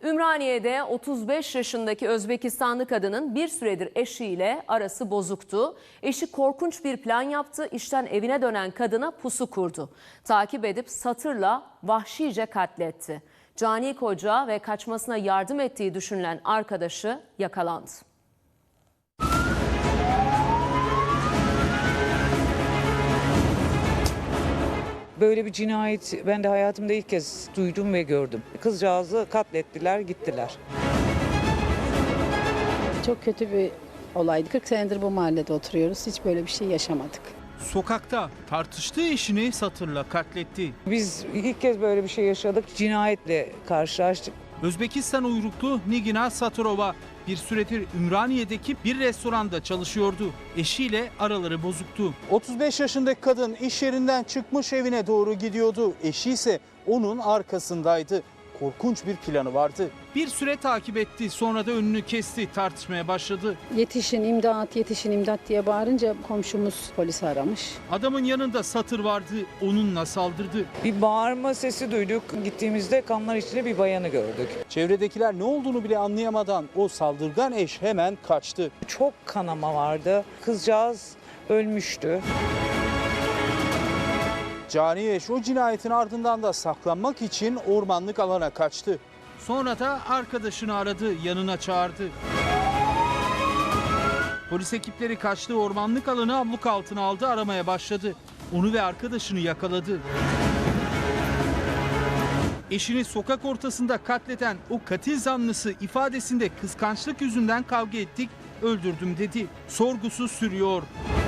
Ümraniye'de 35 yaşındaki Özbekistanlı kadının bir süredir eşiyle arası bozuktu. Eşi korkunç bir plan yaptı, işten evine dönen kadına pusu kurdu. Takip edip satırla vahşice katletti. Cani koca ve kaçmasına yardım ettiği düşünülen arkadaşı yakalandı. Böyle bir cinayet ben de hayatımda ilk kez duydum ve gördüm. Kızcağızı katlettiler, gittiler. Çok kötü bir olaydı. 40 senedir bu mahallede oturuyoruz. Hiç böyle bir şey yaşamadık. Sokakta tartıştığı eşini satırla katletti. Biz ilk kez böyle bir şey yaşadık. Cinayetle karşılaştık. Özbekistan uyruklu Nigina Satırova bir süredir Ümraniye'deki bir restoranda çalışıyordu. Eşiyle araları bozuktu. 35 yaşındaki kadın iş yerinden çıkmış evine doğru gidiyordu. Eşi ise onun arkasındaydı. Korkunç bir planı vardı. Bir süre takip etti, sonra da önünü kesti, tartışmaya başladı. Yetişin imdat, yetişin imdat diye bağırınca komşumuz polisi aramış. Adamın yanında satır vardı, onunla saldırdı. Bir bağırma sesi duyduk. Gittiğimizde kanlar içinde bir bayanı gördük. Çevredekiler ne olduğunu bile anlayamadan o saldırgan eş hemen kaçtı. Çok kanama vardı. Kızcağız ölmüştü. Cani eş o cinayetin ardından da saklanmak için ormanlık alana kaçtı. Sonra da arkadaşını aradı, yanına çağırdı. Polis ekipleri kaçtığı ormanlık alanı abluk altına aldı, aramaya başladı. Onu ve arkadaşını yakaladı. Eşini sokak ortasında katleden o katil zanlısı ifadesinde kıskançlık yüzünden kavga ettik, öldürdüm dedi. Sorgusu sürüyor.